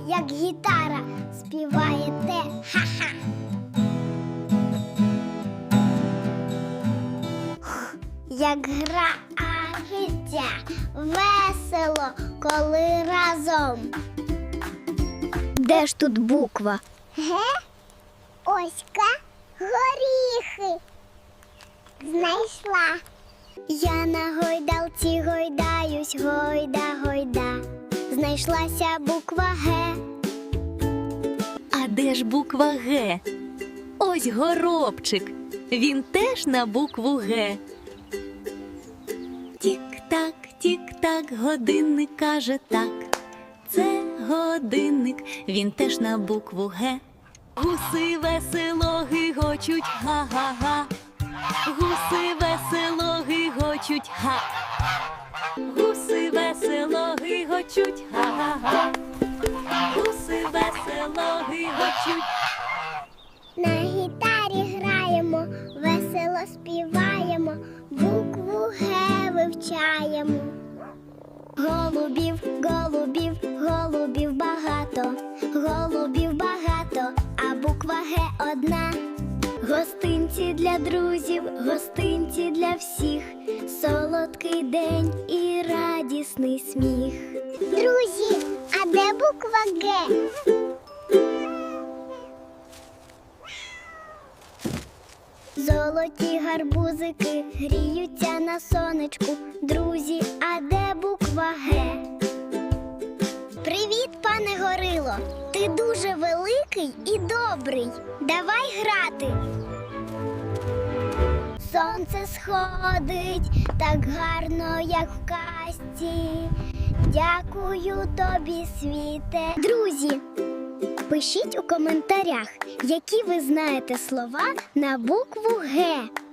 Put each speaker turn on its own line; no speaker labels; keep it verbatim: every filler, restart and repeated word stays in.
як гітара співаєте. Ха-ха! Як гра життя, весело, коли разом. Де ж тут буква? Ге? Оська, горіхи. Знайшла. Я на гойдалці гойдаюсь, гойда, гойда. Знайшлася буква Г.
А де ж буква Г? Ось горобчик. Він теж на букву Г. Тік-так, тік-так, годинник каже так. Це годинник, він теж на букву Г. Гуси весело гигочуть, га-га-га. Гуси весело гигочуть, га. Гуси весело гигочуть, га-га-га. Гуси весело гигочуть.
На гітарі граємо, весело співаємо, букву Г вивчаємо. Голубів, голубів, голубів багато, голубів багато, а буква Г одна. Гостинці для друзів, гостинці для всіх, солодкий день і радісний сміх. Друзі, а де буква Г? Золоті гарбузики гріються на сонечку. Друзі, а де буква Г? Привіт, пане Горило! Ти дуже великий і добрий. Давай грати. Сонце сходить так гарно, як в казці. Дякую тобі, світе. Друзі, пишіть у коментарях, які ви знаєте слова на букву Г.